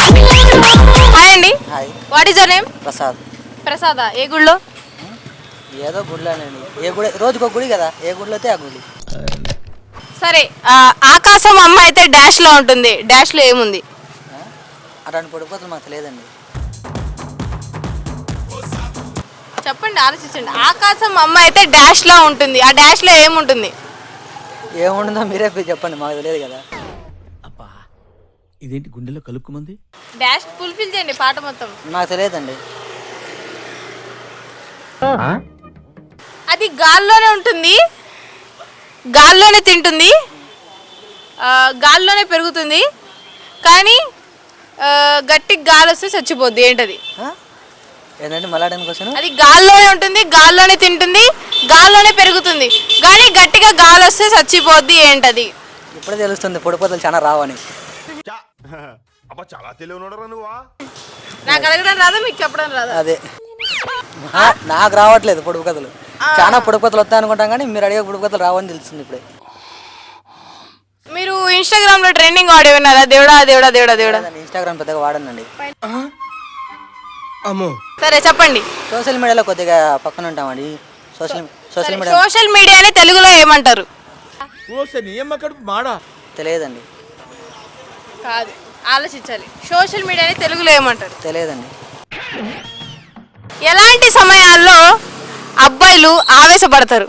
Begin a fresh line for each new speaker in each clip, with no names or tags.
Hi అండి.
Hi.
What is your name?
Prasad.
Prasada. ఏ గుడిలో?
ఏదో గుడిలోనండి. ఏ గుడి, రోజుకు ఒక గుడి కదా, ఏ గుడిలో అయితే ఆ గుడి.
సరే, ఆకాశం అమ్మ అయితే డాష్ లో ఉంటుంది, డాష్ లో ఏముంది?
అట్లాంటి పొడిపోతులు మాకు తెలియదండి.
చెప్పండి, ఆలోచించండి. ఆకాశం అమ్మ అయితే డాష్ లో ఉంటుంది, ఆ డాష్ లో ఏముంటుంది?
ఏముంటుందో మీరే చెప్పండి, మాకు తెలియదు కదా.
అబ్బా, ఇదేంటి గుండెలో కలుక్కుమంది?
డాష్ ఫుల్ఫిల్ చేయండి పాట మొత్తం.
నాకు తెలియదండి.
అది గాల్లోనే ఉంటుంది, గాల్లోనే తింటుంది, గాల్లోనే పెరుగుతుంది, కానీ గట్టి గాలి వస్తే చచ్చిపోద్ది. ఏంటది?
ఏంటంటే మళ్ళీ క్వశ్చన్.
అది గాల్లోనే ఉంటుంది, గాల్లోనే తింటుంది, గాల్లోనే పెరుగుతుంది, కానీ గట్టిగా గాలి వస్తే చచ్చిపోద్ది. ఏంటది?
ఇప్పుడే తెలుస్తుంది పొడిపోతలు చాలా రావని.
చాలా తెలియనుడరా నువ్వా?
నాకు అడగడం రాదా, మీకు చెప్పడం రాదా?
అదే నాకు రావట్లేదు పొడుపు కథలు. చాలా పొడుపు కథలు వస్తాయి అనుకుంటాం, కానీ మీరు అడిగే పొడుపు కథలు రావని తెలుస్తుంది ఇప్పుడే.
మీరు ఇన్స్టాగ్రామ్ లో ట్రెండింగ్ ఆడియో విన్నారా? దేవుడా దేవుడా దేవుడా దేవుడా.
ఇన్స్టాగ్రామ్ పెద్దగా వాడనండి.
సరే చెప్పండి.
సోషల్ మీడియాలో కొద్దిగా పక్కన ఉంటామండి.
సోషల్ మీడియాని తెలుగులో ఏమంటారు?
తెలియదండి.
కాదు, ఆలోచించాలి. సోషల్ మీడియాని తెలుగులో ఏమంటారు?
తెలియదండి.
ఎలాంటి సమయాల్లో అబ్బాయిలు ఆవేశపడతారు?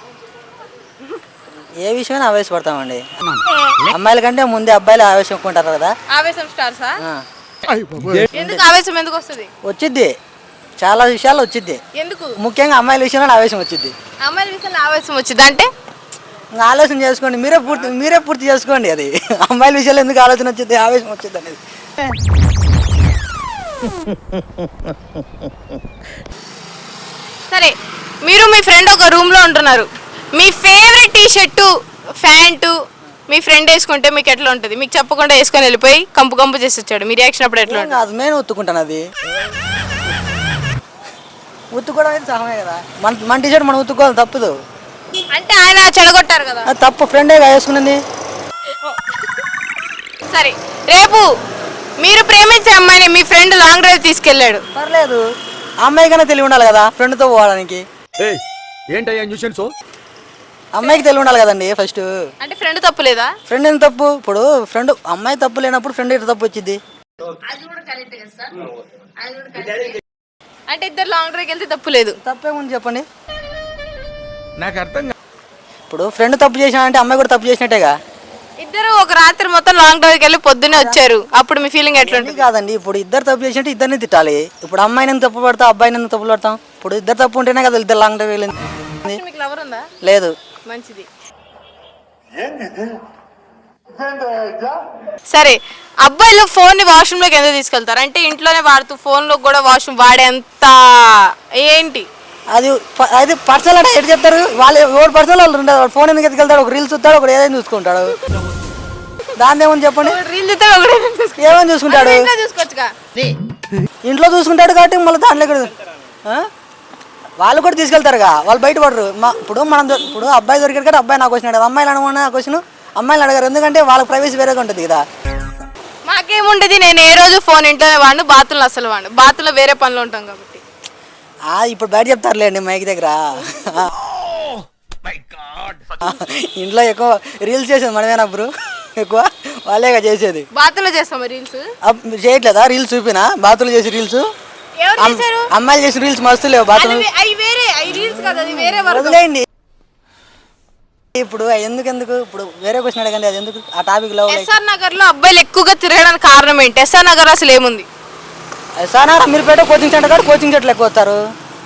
ఏ విషయమైనా ఆవేశపడతామండి. అమ్మాయిల కంటే ముందే అబ్బాయిలు ఆవేశం ఎక్కుంటారు కదా.
ఆవేశం స్టార్సా? ఎందుకు ఆవేశం ఎందుకు వస్తుంది?
వచ్చిద్ది, చాలా విషయాల్లో వచ్చిద్ది.
ఎందుకు?
ముఖ్యంగా అమ్మాయిల విషయంలో ఆవేశం వచ్చిద్ది.
అమ్మాయిల విషయంలో ఆవేశం వచ్చింది అంటే
ఇంకా ఆలోచన చేసుకోండి, మీరే పూర్తి చేసుకోండి. అది అమ్మాయిల విషయాలు ఎందుకు ఆలోచన వచ్చింది, ఆవేశం వచ్చింది అనేది.
సరే, మీరు మీ ఫ్రెండ్ ఒక రూమ్ లో ఉంటున్నారు. మీ ఫేవరెట్ టీ షర్టు, ప్యాంటు మీ ఫ్రెండ్ వేసుకుంటే మీకు ఎట్లా ఉంటుంది? మీకు చెప్పకుండా వేసుకొని వెళ్ళిపోయి కంపు కంపు చేసి వచ్చాడు, మీ రియాక్షన్ అప్పుడు ఎట్లా ఉంటుంది?
అది నేను ఉత్తుకుంటాను. అది ఉత్తుకోవడం అయితే సహమే కదా. మన టీ షర్ట్ మనం ఉత్తుకోవాలి, తప్పదు.
అంటే ఆయన చెడగొట్టారు కదా,
అది తప్పు. ఫ్రెండే వేసుకున్నది.
సరే, రేపు మీరు ప్రేమించే అమ్మాయిని మీ ఫ్రెండ్ లాంగ్ డ్రైవ్ తీసుకెళ్ళాడు.
పర్లేదు, అమ్మాయి కన్నా తెలివి ఉండాలి కదా ఫ్రెండ్తో పోవడానికి.
ఏంటయ్యా న్యూసెన్స్?
అమ్మాయికి తెలివి ఉండాలి కదండి ఫస్ట్.
అంటే ఫ్రెండ్ తప్పు లేదా?
ఫ్రెండ్ ఎంత తప్పు? ఇప్పుడు ఫ్రెండ్ అమ్మాయి తప్పు లేనప్పుడు ఫ్రెండ్ ఎటు తప్పు వచ్చింది?
అంటే ఇద్దరు లాంగ్ డ్రైవ్కి వెళ్తే తప్పు లేదు.
తప్పేముంది చెప్పండి.
నాకు అర్థం.
ఇప్పుడు ఫ్రెండ్ తప్పు చేసినా అంటే అమ్మాయి కూడా తప్పు చేసినట్టేగా.
ఇద్దరు ఒక రాత్రి మొత్తం లాంగ్ డ్రైవ్కి వెళ్ళి పొద్దున్నే వచ్చారు, అప్పుడు మీ ఫీలింగ్ ఎట్లా ఉంటుంది?
కాదండి, ఇప్పుడు ఇద్దరు తప్పు చేసినట్టు ఇద్దరిని తిట్టాలి. ఇప్పుడు అమ్మాయిని ఎందుకు తప్పు పడతాం, అబ్బాయిని ఎందుకు తప్పు పడతాం? ఇప్పుడు ఇద్దరు తప్పు ఉంటేనే కదా ఇద్దరు లాంగ్ డ్రైవ్ వెళ్ళింది.
మీకు లవర్ ఉందా?
లేదు.
మంచిది. సరే, అబ్బాయిలు ఫోన్ ని వాష్రూమ్ లోకి ఎందుకు తీసుకెళ్తారు? అంటే ఇంట్లోనే వాడుతూ ఫోన్ లో కూడా వాష్రూమ్ వాడేంత ఏంటి
అది? అది పర్సనల్ అంటే ఎటు చెప్తారు వాళ్ళు? ఎవరు పర్సనల్ వాళ్ళు ఉండదు. ఫోన్ ఎందుకు ఎత్తుకెళ్తాడు? ఒక రీల్స్ చూస్తాడు, ఒకటి ఏదైనా చూసుకుంటాడు. దాన్ని ఏమని చెప్పండి. ఏమని చూసుకుంటాడు?
చూసుకోవచ్చుగా.
ఇంట్లో చూసుకుంటాడు కాబట్టి మళ్ళీ దాంట్లో వాళ్ళు కూడా తీసుకెళ్తారుగా, వాళ్ళు బయట పడరు. ఇప్పుడు అబ్బాయి దొరికాడు కాబట్టి అబ్బాయి నాకు వచ్చినాడు. అమ్మాయిలు అనమన్నా క్వశ్చన్ అమ్మాయిలు అడగారు, ఎందుకంటే వాళ్ళ ప్రైవసీ వేరేగా ఉంటుంది కదా.
మాకేముండదు, నేను ఏ రోజు ఫోన్ ఇంట్లోనే వాడు, బాత్రూంలో అసలు వాడు, బాత్రూంలో వేరే పనులు ఉంటాం కాబట్టి.
ఇప్పుడు బయట చెప్తారులేండి మైక్ దగ్గర. ఇంట్లో ఎక్కువ రీల్స్ చేసేది మనమేనా బ్రో? ఎక్కువ వాళ్ళేగా చేసేది.
బాత్రూంలో చేస్తాం రీల్స్.
చేయట్లేదా రీల్స్? చూపినా బాత్రూంలో చేసి రీల్స్. అమ్మాయిలు చేసిన రీల్స్ మస్తు లేవు బాత్రూమ్. వదిలేయండి. ఇప్పుడు ఎందుకు ఇప్పుడు వేరే క్వశ్చన్ అడగండి. అది ఎందుకు ఆ టాపిక్ లో?
ఎస్ఆర్ నగర్ లో అబ్బాయిలు ఎక్కువగా తిరగడానికి కారణం ఏంటి? ఎస్ఆర్ నగర్ అసలు ఏముంది?
S R Nagar Ameerpet coaching centre కాదు, కోచింగ్ సెంటర్ ఎక్కువ వస్తారు.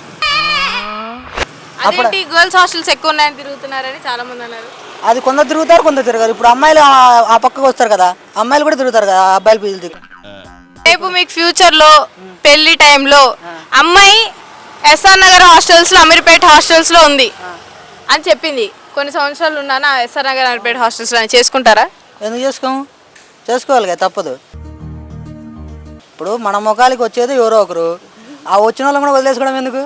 అదేంటి గర్ల్స్ హాస్టల్స్ ఎక్కువ ఉన్నాయని తిరుగుతున్నారని చాలా మంది అన్నారు.
అది కొందరు తిరుగుతారు, కొందరు తిరగారు. ఇప్పుడు అమ్మాయిలు ఆ పక్కకు వస్తారు కదా, అమ్మాయిలు కూడా తిరుగుతారు కదా అబ్బాయిలు పీజీలు.
రేపు మీకు ఫ్యూచర్ లో పెళ్లి టైంలో అమ్మాయి ఎస్ఆర్ నగర్ హాస్టల్స్ లో, అమీర్పేట హాస్టల్స్ లో ఉంది అని చెప్పింది. కొన్ని సంవత్సరాలు ఉన్నానా ఎస్ఆర్ నగర్, అమీర్పేట హాస్టల్స్ లో, చేసుకుంటారా?
ఎందుకు చేసుకోవాలి కదా, తప్పదు. ఇప్పుడు మన ముఖాలకి వచ్చేది ఎవరో ఒకరు, ఆ వచ్చిన వాళ్ళని కూడా వదిలేసుకోవడం ఎందుకు?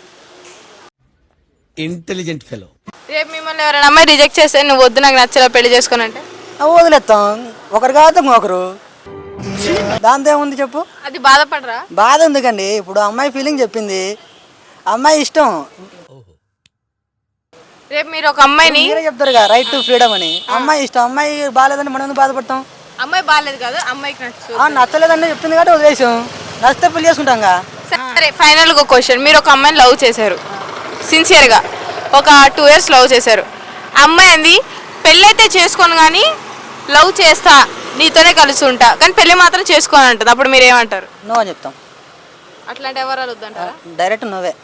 Intelligent fellow.
రేపు మిమ్మల్ని ఎవరైనా అమ్మాయి రిజెక్ట్ చేస్తే నువ్వు వద్దు నాకు నచ్చలా పెళ్లి చేసుకోనంటే
వదిలేస్తాం. ఒకరు కాదు ఇంకొకరు. దాంతో ఏముంది చెప్పు.
అది బాధపడరా?
బాధ ఎందుకండి, ఇప్పుడు అమ్మాయి ఫీలింగ్ చెప్పింది, అమ్మాయి ఇష్టం.
రేపు మీరు ఒక అమ్మాయిని
మీరే చెప్తారు కదా రైట్ టు ఫ్రీడమ్ అని. అమ్మాయి ఇష్టం, అమ్మాయి బాగాలేదని మనం ఎందుకు బాధపడతాం?
అమ్మాయి బాగాలేదు కాదు, అమ్మాయికి నచ్చు.
నచ్చలేదండి చెప్తుంది కాబట్టి వదిలేసాం, నచ్చితే పెళ్లి చేసుకుంటాం.
సరే ఫైనల్ ఒక క్వశ్చన్, మీరు ఒక అమ్మాయిని లవ్ చేశారు సిన్సియర్గా, ఒక 2 years లవ్ చేశారు. అమ్మాయి అంది పెళ్ళి అయితే చేసుకోను కానీ లవ్ చేస్తా, నీతోనే కలిసి ఉంటా, కానీ పెళ్ళి మాత్రం చేసుకోని అంటుంది. అప్పుడు మీరు ఏమంటారు?
నో అని చెప్తాం.
అట్లాంటి ఎవరాలు వద్దంటారా?
డైరెక్ట్ నువ్వే.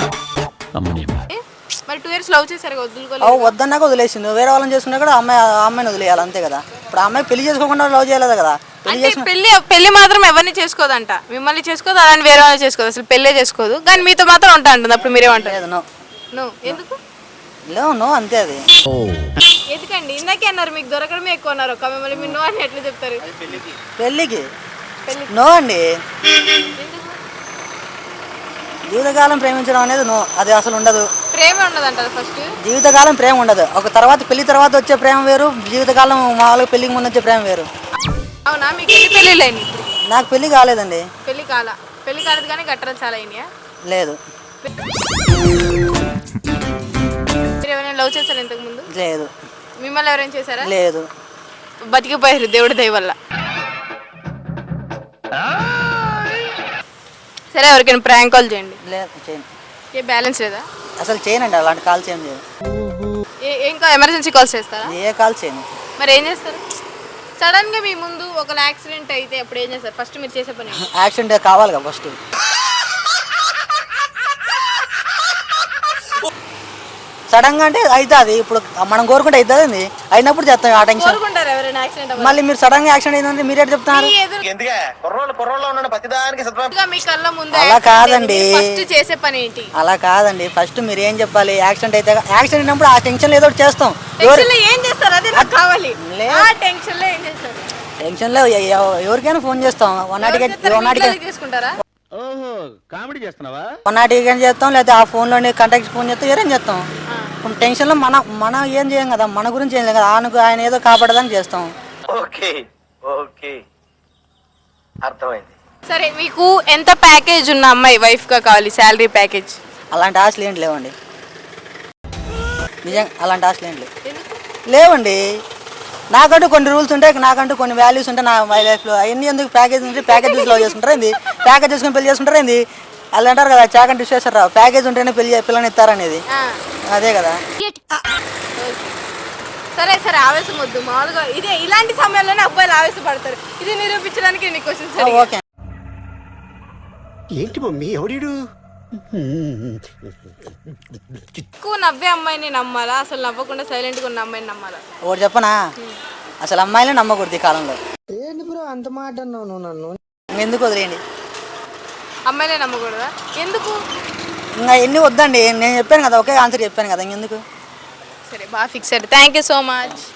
మరి 2 years లవ్ చేశారు వదులుకోలేదు.
వద్దన్నాక వదిలేసింది, వేరే వాళ్ళని చేసుకున్నా కూడా అమ్మాయిని వదిలేయాలి అంతే కదా. ఇప్పుడు అమ్మాయి పెళ్లి చేసుకోకుండా లవ్ చేయలేదు కదా.
పెళ్లి మాత్రం ఎవరిని చేసుకోదంట, మిమ్మల్ని చేసుకోదు, అలాంటి వేరే వాళ్ళని చేసుకోదు, అసలు పెళ్ళే చేసుకోదు, కానీ మీతో మాత్రం ఉంటా అంటుంది. అప్పుడు మీరేమంటారు?
నో.
నో ఎందుకు?
నో అంతే. అది
ఎందుకండి? ఇందాకే అన్నారు మీకు దొరకడమే ఎక్కువ అన్నారు, ఒక మిమ్మల్ని మీరు నో అని ఎట్లా చెప్తారు?
పెళ్ళికి నో అండి. జీవితకాలం ప్రేమించడం అనేది నో, అది అసలు ఉండదు.
ప్రేమ ఉండదు అంటారు ఫస్ట్.
జీవితకాలం ప్రేమ ఉండదు, ఒక తర్వాత పెళ్లి తర్వాత వచ్చే ప్రేమ వేరు, జీవితకాలం మామూలుగా పెళ్లికి ముందు వచ్చే ప్రేమ వేరు.
అవునా? మీకు ఎన్ని పెళ్ళిళ్ళు అయినాయి?
నాకు పెళ్లి కాలేదండి.
పెళ్లి కాలేదు కానీ గట్టలు చాలా అయినాయా?
లేదు.
మీరు ఎవరైనా లవ్ చేశారు ఇంతకు ముందు?
లేదు.
మిమ్మల్ని ఎవరైనా చేశారా?
లేదు.
బతికిపోయారు దేవుడి దయ వల్ల. సరే ఎవరికైనా ప్రాంక్ కాల్ చేయండి.
లేదు చేయను.
ఏ బ్యాలెన్స్ లేదా?
అసలు చేయనండి, అలాంటి కాల్ చేయను.
ఇంకా ఎమర్జెన్సీ కాల్స్ చేస్తారా?
ఏ కాల్ చేయను.
మరి ఏం చేస్తారు? సడన్ గా మీ ముందు ఒక యాక్సిడెంట్ అయితే అప్పుడు ఏం చేస్తారు? ఫస్ట్ మీరు చేసే పని
యాక్సిడెంట్ కావాలి కదా ఫస్ట్. సడన్ గా అంటే అవుతుంది, ఇప్పుడు మనం కోరుకుంటే అవుతుంది, అయినప్పుడు చేస్తాం. ఆ టెన్షన్ మళ్ళీ మీరు సడన్ గా యాక్సిడెంట్ అయిందంటే మీరే చెప్తున్నారు. అలా కాదండి,
చేసే పని ఏంటి?
అలా కాదండి. ఫస్ట్ మీరు ఏం చెప్పాలి, యాక్సిడెంట్ అయితే యాక్సిడెంట్ అయినప్పుడు ఆ టెన్షన్ ఏదో చేస్తాం.
ఏం చేస్తారు? అదే నాకు కావాలి. టెన్షన్ లో ఏం చేస్తారు?
టెన్షన్ లో ఎవరికైనా ఫోన్ చేస్తాం. 1
చేసుకుంటారా?
కామెడీ చేస్తున్నావా?
1 చేస్తాం, లేదా ఆ ఫోన్ లోనే కాంటాక్ట్ ఫోన్ చేస్తాం, ఏరేం చేస్తాం. ఇప్పుడు టెన్షన్ లో మనం ఏం చేయం కదా, మన గురించి ఏం లేదు కదా, ఆయన ఏదో కాపాడదని చేస్తాం.
అర్థమైంది.
సరే మీకు ఎంత ప్యాకేజ్ ఉన్న అమ్మాయి వైఫ్ గా కావాలి? Salary package?
అలాంటి ఆశలు ఏంటి లేవండి, నిజంగా అలాంటి ఆశలు ఏంటి లేవండి. నాకంటూ కొన్ని రూల్స్ ఉంటాయి, నాకంటూ కొన్ని వాల్యూస్ ఉంటాయి నా మై లైఫ్లో. అవన్నీ ఎందుకు ప్యాకేజ్ ఉంటే ప్యాకేజెస్ లవ్ చేసుకుంటారా ఏంది, ప్యాకేజ్ చేసుకుని పెళ్లి చేసుకుంటారా ఏంది? వాళ్ళు అంటారు కదా చాకంటే విశ్వేశ్వరరావు, ప్యాకేజ్ ఉంటేనే పిల్లని ఇస్తారనేది, అదే కదా.
సరే సరే ఆవేశం వద్దు, మామూలుగా ఇదే ఇలాంటి సమయంలోనే అబ్బాయిలు ఆవేశపడతారు. ఇది నిరూపించడానికి ఎన్ని క్వశ్చన్స్?
ఓకే.
ఏంటి మమ్మీ ఎవడీడు?
ఎక్కువ నవ్వే అమ్మాయిని నమ్మాలా, అసలు నవ్వకుండా సైలెంట్ గా ఉన్న అమ్మాయిని నమ్మాలా?
ఒకటి చెప్పనా, అసలు అమ్మాయిలే నమ్మకూడదు ఈ కాలంలో.
ఏంటి బ్రో అంత మాట అన్నావు నువ్వు నన్ను?
ఎందుకు వదిలేయండి,
అమ్మాయిలే నమ్మకూడదా? ఎందుకు?
ఇంకా ఎన్ని వద్దండి, నేను చెప్పాను కదా, ఒకే ఆన్సర్ చెప్పాను కదా, ఇంకెందుకు.
సరే బాగా ఫిక్స్ అయ్యారు. Thank you so much.